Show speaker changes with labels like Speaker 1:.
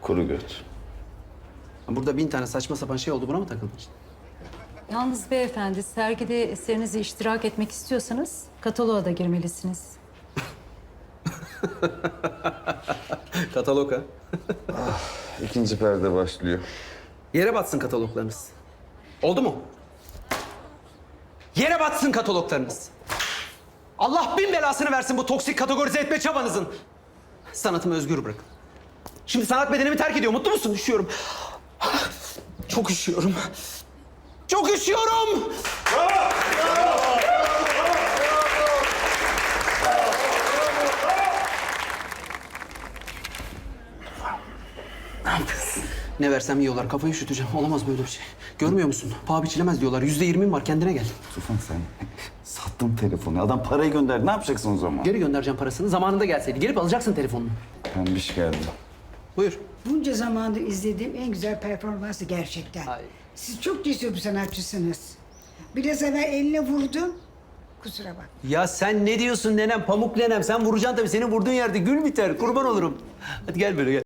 Speaker 1: Kuru göt.
Speaker 2: Burada 1000 tane saçma sapan şey oldu. Buna mı takıldın?
Speaker 3: Yalnız beyefendi, sergide eserinizi iştirak etmek istiyorsanız kataloğa da girmelisiniz.
Speaker 2: Katalog ha.
Speaker 1: İkinci perde başlıyor.
Speaker 2: Yere batsın kataloglarınız. Oldu mu? Yere batsın kataloglarınız. Allah bin belasını versin bu toksik kategorize etme çabanızın. Sanatımı özgür bırakın. Şimdi sanat bedenimi terk ediyor. Mutlu musun? Üşüyorum. Çok üşüyorum. Çok üşüyorum. Ne versem yiyorlar. Kafayı üşüteceğim. Olamaz böyle bir şey. Görmüyor musun? Paha biçilemez diyorlar. %20'm var. Kendine gel.
Speaker 1: Tufan sen sattın telefonu. Adam parayı gönderdi. Ne yapacaksın o zaman?
Speaker 2: Geri göndereceğim parasını. Zamanında gelseydi. Gelip alacaksın telefonunu.
Speaker 1: Pembiş geldi.
Speaker 2: Buyur.
Speaker 4: Bunca zamandır izlediğim en güzel performansı gerçekten.
Speaker 2: Ay.
Speaker 4: Siz çok cesur bir sanatçısınız. Biraz evvel eline vurdun. Kusura bak.
Speaker 2: Ya sen ne diyorsun nenem? Pamuk nenem. Sen vuracaksın tabii. Senin vurduğun yerde gül biter. Kurban olurum. Hadi gel böyle gel.